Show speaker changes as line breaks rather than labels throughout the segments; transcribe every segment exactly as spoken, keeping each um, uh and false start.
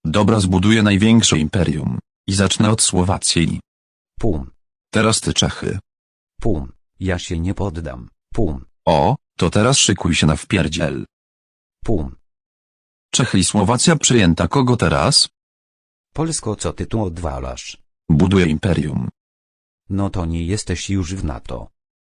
Dobra, zbuduję największe imperium. I zacznę od Słowacji.
Pum.
Teraz ty Czechy.
Pum. Ja się nie poddam. Pum.
O, to teraz szykuj się na wpierdziel.
Pum.
Czechy i Słowacja przejęta, kogo teraz?
Polsko, co ty tu odwalasz?
Buduję imperium.
No to nie jesteś już w NATO.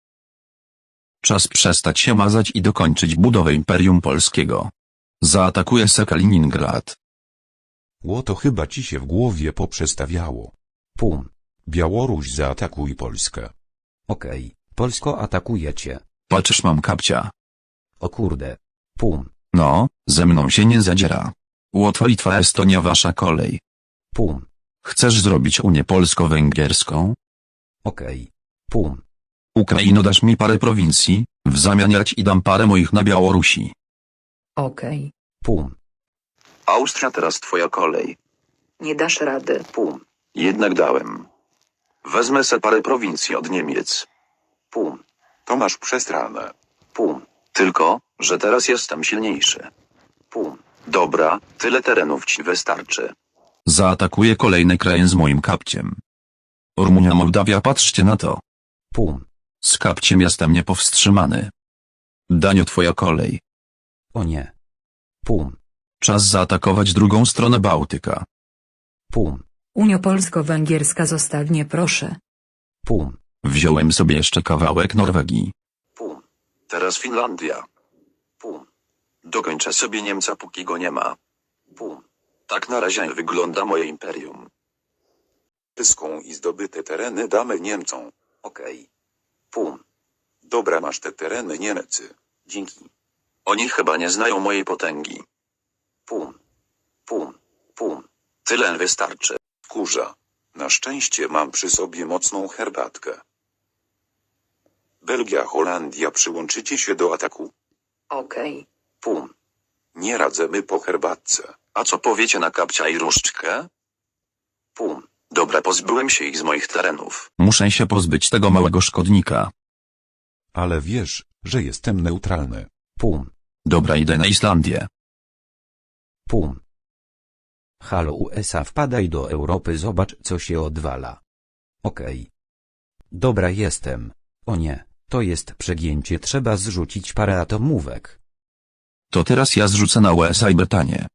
Czas przestać się mazać i dokończyć budowę Imperium Polskiego. Zaatakuję se Kaliningrad.
Ło, to chyba ci się w głowie poprzestawiało.
Pum.
Białoruś, zaatakuj Polskę.
Okej, Polsko atakuje cię.
Patrzysz, mam kapcia.
O kurde. Pum.
No, ze mną się nie zadziera. Łotwa, Litwa, Estonia, wasza kolej.
Pum.
Chcesz zrobić Unię Polsko-Węgierską?
Okej. Pum.
Ukraino, dasz mi parę prowincji, w zamian ja ci dam parę moich na Białorusi.
Okej.
Pum.
Austria, teraz twoja kolej.
Nie dasz rady.
Pum. Jednak dałem. Wezmę se parę prowincji od Niemiec. Pum.
To masz przestranę.
Pum. Tylko, że teraz jestem silniejszy. Pum. Dobra, tyle terenów ci wystarczy. Zaatakuję kolejne kraje z moim kapciem. Rumunia, Mołdawia, patrzcie na to.
Pum.
Z kapciem jestem niepowstrzymany. Danio, twoja kolej.
O nie. Pum.
Czas zaatakować drugą stronę Bałtyka.
Pum.
Unio Polsko-Węgierska, zostaw mnie proszę.
Pum.
Wziąłem sobie jeszcze kawałek Norwegii. Pum. Teraz Finlandia. Pum. Dokończę sobie Niemca, póki go nie ma. Pum. Tak na razie wygląda moje imperium.
Pyską i zdobyte tereny damy Niemcom.
Okej. Pum.
Dobra, masz te tereny, Niemcy.
Dzięki. Oni chyba nie znają mojej potęgi. Pum. Pum. Pum. Tyle wystarczy.
Kurza. Na szczęście mam przy sobie mocną herbatkę. Belgia, Holandia, przyłączycie się do ataku?
Okej.
Pum.
Nie radzemy po herbatce.
A co powiecie na kapcia i różdżkę? Pum. Dobra, pozbyłem się ich z moich terenów. Muszę się pozbyć tego małego szkodnika.
Ale wiesz, że jestem neutralny.
Pum.
Dobra, idę na Islandię.
Pum. Halo U S A, wpadaj do Europy, zobacz co się odwala. Okej. Dobra, jestem. O nie, to jest przegięcie, trzeba zrzucić parę atomówek.
To teraz ja zrzucę na U S A i Brytanię.